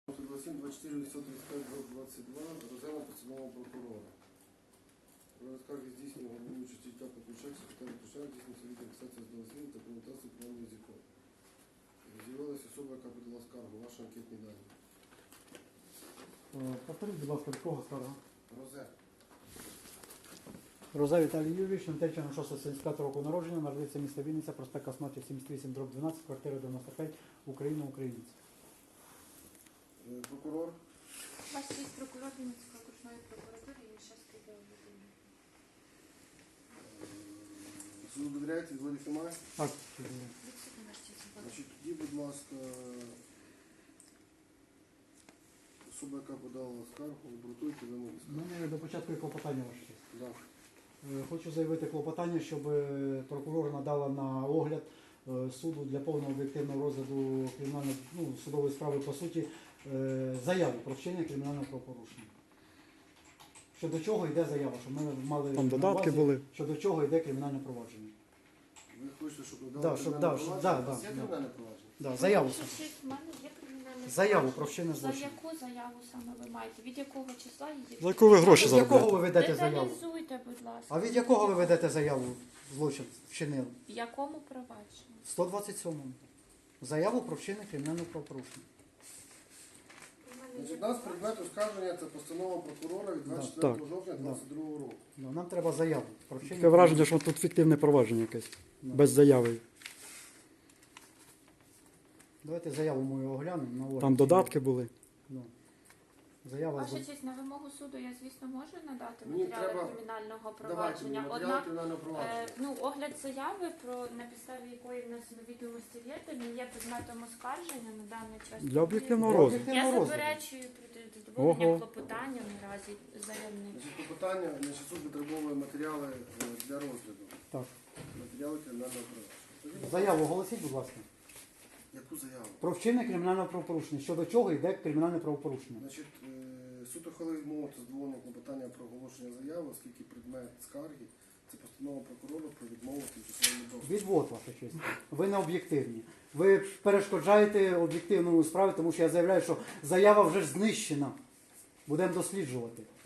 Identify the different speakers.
Speaker 1: 27, 24, 835, 22, розглянула постанову прокурора. Скарги здійснює головуючий суддя Петручак, секретар Петручак, здійснюється відеофіксація з дозвілу та коментації плану язиком. З'явилася особа, яка подала скаргу, ваші анкетні дані.
Speaker 2: Повторіть, будь ласка, від кого скарга?
Speaker 1: Розе.
Speaker 2: Розе Віталій Юрійович, Нетеччина, 675 року народження, народився місто Вінниця, проспект Косматів, 78/12, квартира 95, Україна, українець.
Speaker 1: Прокурор.
Speaker 3: Ваш честь, прокурор Вінницької окружної прокуратури, і зараз прийде в людину.
Speaker 1: Суду довіряєте, відводів немає?
Speaker 2: Так,
Speaker 3: Відсутні, ваш честь.
Speaker 1: Значить, тоді, будь ласка, особа, яка подала скаргу, обґрунтуйте вимоги скарги.
Speaker 2: мене до початку є клопотання ваше честь.
Speaker 1: Да.
Speaker 2: Хочу заявити клопотання, щоб прокурор надала на огляд суду для повного об'єктивного розгляду судової справи, по суті, заяву про вчинення кримінального правопорушення. Щодо чого йде заява, щоб ми мали
Speaker 4: Там
Speaker 2: на
Speaker 4: додатки
Speaker 2: увазі,
Speaker 4: були.
Speaker 2: щодо чого йде кримінальне провадження.
Speaker 1: Ви хочете, щоб
Speaker 2: Да,
Speaker 1: надали
Speaker 2: щоб-
Speaker 1: кримінальне
Speaker 2: да, щоб-
Speaker 1: провадження?
Speaker 2: да,
Speaker 1: У вас є
Speaker 2: да,
Speaker 1: кримінальне провадження?
Speaker 2: Да, заяву.
Speaker 3: Ваша честь, в мене є кримінальне
Speaker 2: Заяву
Speaker 3: провадження.
Speaker 2: про вчинення
Speaker 3: За
Speaker 2: злочину.
Speaker 3: яку заяву саме ви маєте? Від якого числа її?
Speaker 4: За яку ви гроші
Speaker 2: З якого ви
Speaker 4: заробляєте?
Speaker 2: ведете заяву?
Speaker 3: Деталізуйте, будь ласка.
Speaker 2: А від якого ви ведете заяву? Злочин вчинили?
Speaker 3: В якому провадженні?
Speaker 2: 127-му. Заяву про вчинення кримінального правопорушення.
Speaker 1: Значить, у нас предмет оскарження – це постанова прокурора від
Speaker 2: Да.
Speaker 1: 24
Speaker 4: Так.
Speaker 1: жовтня 2022 року.
Speaker 2: Ну, нам треба заяву про вчинення.
Speaker 4: Таке враження, що тут фіктивне провадження якесь.
Speaker 2: Да.
Speaker 4: Без заяви.
Speaker 2: Давайте заяву мою оглянемо. На огляд.
Speaker 4: Там додатки були.
Speaker 2: Да. Заява
Speaker 3: Ваша
Speaker 2: з...
Speaker 3: честь, на вимогу суду я, звісно, можу надати
Speaker 1: Ні,
Speaker 3: матеріали
Speaker 1: треба-
Speaker 3: кримінального
Speaker 1: Давайте мені
Speaker 3: провадження.
Speaker 1: матеріали
Speaker 3: Однак,
Speaker 1: кримінального провадження.
Speaker 3: огляд заяви, на підставі якої внесено відомості не є предметом оскарження на даний час.
Speaker 4: Для об'єктивного
Speaker 2: Для
Speaker 4: розгляду.
Speaker 3: Я
Speaker 2: об'єктивного розгляду.
Speaker 3: заперечую проти задоволення
Speaker 4: Ого.
Speaker 3: клопотання наразі заявника.
Speaker 1: Значить, клопотання, значить, суд витребовує матеріали для розгляду.
Speaker 2: Так.
Speaker 1: Матеріали кримінального провадження.
Speaker 2: Заяву оголосіть, будь ласка.
Speaker 1: Яку заяву?
Speaker 2: Про вчинення кримінального правопорушення. Щодо чого йде кримінальне правопорушення.
Speaker 1: Значить, суд ухвалив відмову та задоволення клопотання про оголошення заяви, оскільки предмет скарги – це постанова прокурора про відмову тимчасовому доступу.
Speaker 2: Відвод, ваша честь. Ви не об'єктивні. Ви перешкоджаєте об'єктивному справі, тому що я заявляю, що заява вже ж знищена. Будемо досліджувати.